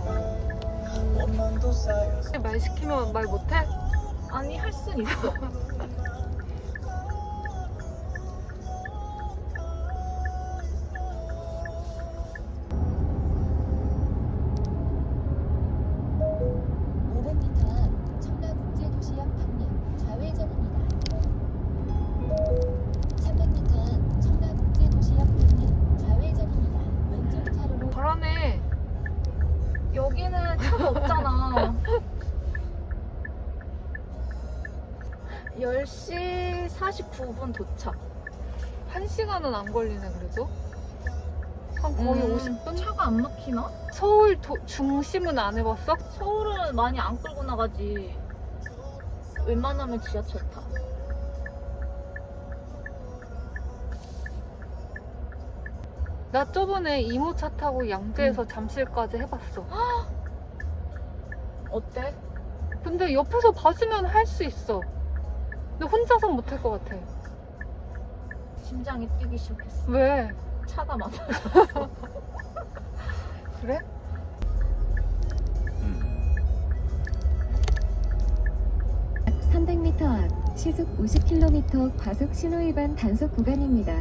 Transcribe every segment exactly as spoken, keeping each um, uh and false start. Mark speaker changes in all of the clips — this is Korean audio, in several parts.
Speaker 1: 말 시키면 말 못해?
Speaker 2: 아니 할 순 있어.
Speaker 3: 오백 미터 앞 청라국제도시역 방면 좌회전입니다. 삼백 미터 앞 청라국제도시역 방면 좌회전입니다. 왼쪽 차로로
Speaker 1: 잘하네.
Speaker 2: 여기는 차가 없잖아. 열 시 사십구 분 도착.
Speaker 1: 한 시간은 안 걸리네 그래도. 한 거의
Speaker 2: 음,
Speaker 1: 오십 분?
Speaker 2: 차가 안 막히나?
Speaker 1: 서울 도, 중심은 안 해봤어?
Speaker 2: 서울은 많이 안 끌고 나가지. 웬만하면 지하철 타.
Speaker 1: 나 저번에 이모 차 타고 양재에서 잠실까지 해봤어.
Speaker 2: 어때?
Speaker 1: 근데 옆에서 봐주면 할 수 있어. 근데 혼자선 못할 것 같아.
Speaker 2: 심장이 뛰기 시작했어.
Speaker 1: 왜?
Speaker 2: 차가 많아.
Speaker 1: 그래?
Speaker 3: 삼백 미터 앞 시속 오십 킬로미터 과속 신호 위반 단속 구간입니다.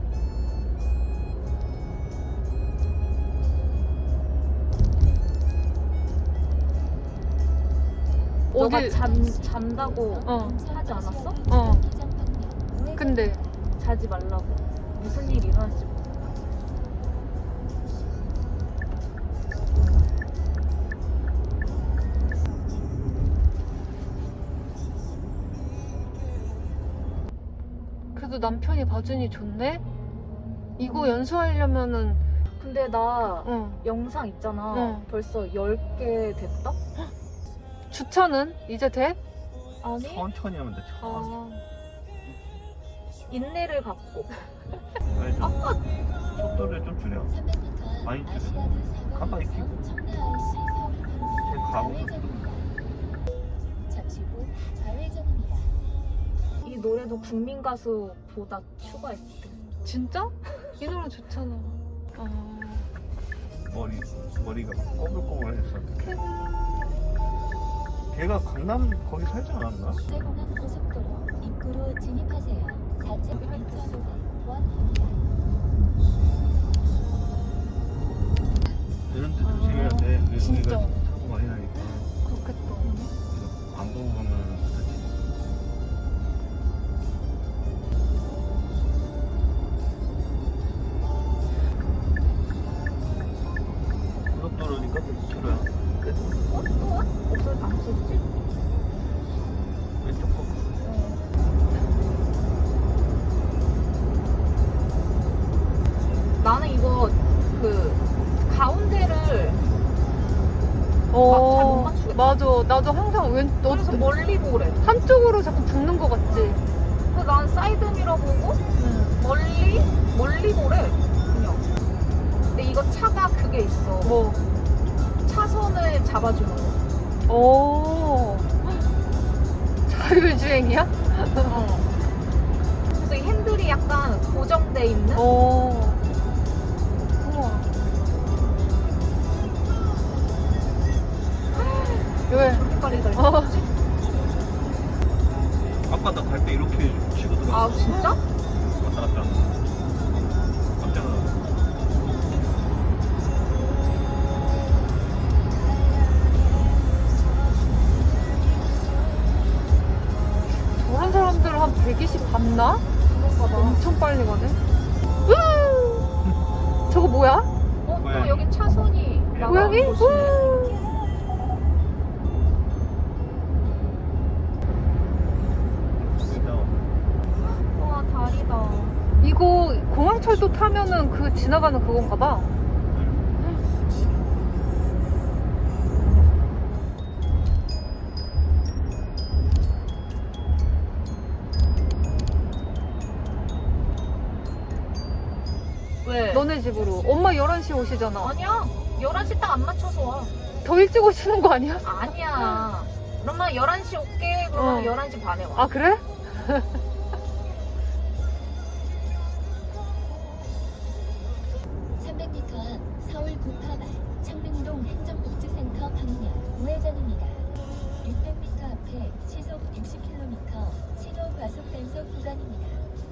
Speaker 2: 너가
Speaker 1: 어디-
Speaker 2: 잠, 잔다고
Speaker 1: 어.
Speaker 2: 하지 않았어?
Speaker 1: 어. 근데
Speaker 2: 자지 말라고. 무슨 일이 일어날지 몰라.
Speaker 1: 그래도 남편이 봐주니 좋네? 이거 연수하려면은
Speaker 2: 근데 나
Speaker 1: 응.
Speaker 2: 영상 있잖아.
Speaker 1: 응.
Speaker 2: 벌써 열 개 됐다?
Speaker 1: 주차는 이제 돼?
Speaker 2: 아니,
Speaker 4: 천천히 하면 돼. 천천히.
Speaker 1: 아.
Speaker 2: 인내를 갖고.
Speaker 4: 아니, 좀 속도를 좀 줄여.
Speaker 3: 삼백 미터 앞
Speaker 4: 많이 줄여.
Speaker 3: 아시아드 사거리에서
Speaker 4: 깜빡이 켜고.
Speaker 3: 청라아이씨 서울
Speaker 4: 제
Speaker 3: 방향
Speaker 4: 가고.
Speaker 3: 좌회전입니다. 잠시 후 좌회전입니다.
Speaker 2: 이 노래도 국민 가수보다 추가했대.
Speaker 1: 진짜? 이 노래 좋잖아. 아.
Speaker 4: 머리 머리가 꼬불꼬불했어. 걔가 강남 거기 살지 않았나?
Speaker 3: 제공항 고속도로 입구로 진입하세요. 좌측 왼쪽으로 보안합니다.
Speaker 4: 이런 데 조심해야 돼. 우리-
Speaker 1: 진짜.
Speaker 4: 우리가 사고 많이 나니까.
Speaker 1: 그렇겠다.
Speaker 4: 안 보고 가면 그렇지. 고속도로니까 그 길어야.
Speaker 2: 어? 또 와? 없어, 안 썼지?
Speaker 4: 왼쪽 거.
Speaker 2: 나는 이거 그 가운데를
Speaker 1: 어,
Speaker 2: 못 맞추겠다.
Speaker 1: 맞아. 나도 항상 왼, 너,
Speaker 2: 그래서 멀리 보래.
Speaker 1: 한쪽으로 자꾸 붙는 것 같지?
Speaker 2: 그래서 난 사이드미러 보고
Speaker 1: 응.
Speaker 2: 멀리 멀리 보래. 그냥. 근데 이거 차가 그게 있어.
Speaker 1: 뭐,
Speaker 2: 차선을 잡아주는 거.
Speaker 1: 오. 자율주행이야?
Speaker 2: 어. 그래서 이 핸들이 약간 고정돼 있는.
Speaker 1: 오. 우와. 왜?
Speaker 2: 저렇게까지 다
Speaker 1: 어.
Speaker 2: 있었지?
Speaker 4: 아까 나 갈 때 이렇게 치고 들어갔어.
Speaker 2: 아 진짜?
Speaker 4: 왔다 갔다 하는 거. 깜짝 놀랐어.
Speaker 1: 저런 사람들 한 백이십 봤나?
Speaker 2: 그런가 봐.
Speaker 1: 엄청 빨리 가네. 으! 저거 뭐야?
Speaker 2: 어? 또
Speaker 4: 고양이.
Speaker 2: 여기 차선이 나가.
Speaker 1: 고양이?
Speaker 2: 보시네.
Speaker 1: 우!
Speaker 2: 와 다리다.
Speaker 1: 이거 공항철도 타면은 그 지나가는 그건가 봐.
Speaker 2: 왜?
Speaker 1: 너네 집으로. 엄마 열한 시 오시잖아.
Speaker 2: 아니야. 열한 시 딱 안 맞춰서 와.
Speaker 1: 더 일찍 오시는 거 아니야?
Speaker 2: 아니야. 그러면 열한 시 올게. 그러면
Speaker 1: 어.
Speaker 2: 열한 시 반에 와.
Speaker 1: 아, 그래?
Speaker 3: 삼백 미터 앞 서울 구파발 창릉동 행정복지센터 육십 킬로미터 신호 과속 단속 구간입니다.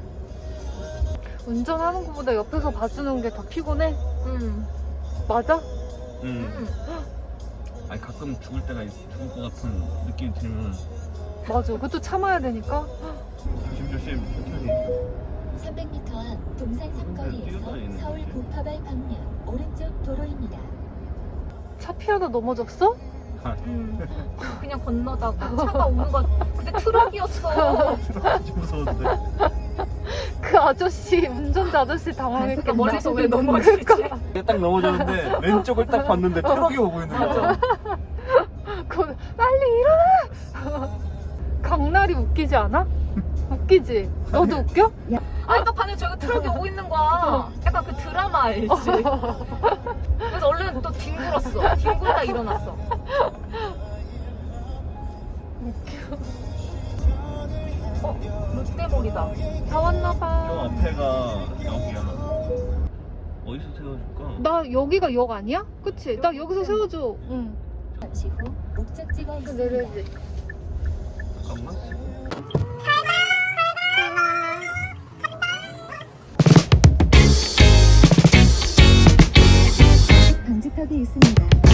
Speaker 1: 운전하는 것보다 옆에서 봐주는 게 더 피곤해?
Speaker 2: 응.
Speaker 1: 맞아?
Speaker 4: 응.
Speaker 2: 응.
Speaker 4: 아니 가끔 죽을 때가 있- 죽을 것 같은 느낌이 들면
Speaker 1: 맞아. 그것도 참아야 되니까.
Speaker 4: 조심조심 천천히.
Speaker 3: 삼백 미터 앞 동산 삼거리에서
Speaker 4: 뛰어다니는
Speaker 3: 서울
Speaker 4: 거지.
Speaker 3: 고파발 방면 오른쪽 도로입니다.
Speaker 1: 차 피하다 넘어졌어?
Speaker 2: 응. 그냥 건너다가 차가 오는 거 근데 트럭이었어.
Speaker 4: 좀 무서운데.
Speaker 1: 그 아저씨, 운전자 아저씨 당황했겠다.
Speaker 2: 그러니까 멀리서 왜 넘어지지?
Speaker 4: 딱 넘어졌는데 왼쪽을 딱 봤는데 트럭이 오고 있는 거야.
Speaker 1: 그 빨리 일어나! 강날이 웃기지 않아? 웃기지? 너도 웃겨?
Speaker 2: 아니 나 반에 저기 트럭이 오고 있는 거야. 약간 그 드라마 알지? 그래서 얼른 또 뒹굴었어. 뒹굴다 일어났어. 어? 롯데몰이다.
Speaker 1: 다 왔나봐.
Speaker 4: 저 앞에가 여기야. 어디서 세워줄까?
Speaker 1: 나 여기가 역 아니야? 그치? 나 여기서 세워줘. 응.
Speaker 3: 잠시 후 목적지가
Speaker 1: 그
Speaker 3: 있습니다.
Speaker 1: 내려야지.
Speaker 4: 잠깐만.
Speaker 3: 방지턱이 있습니다.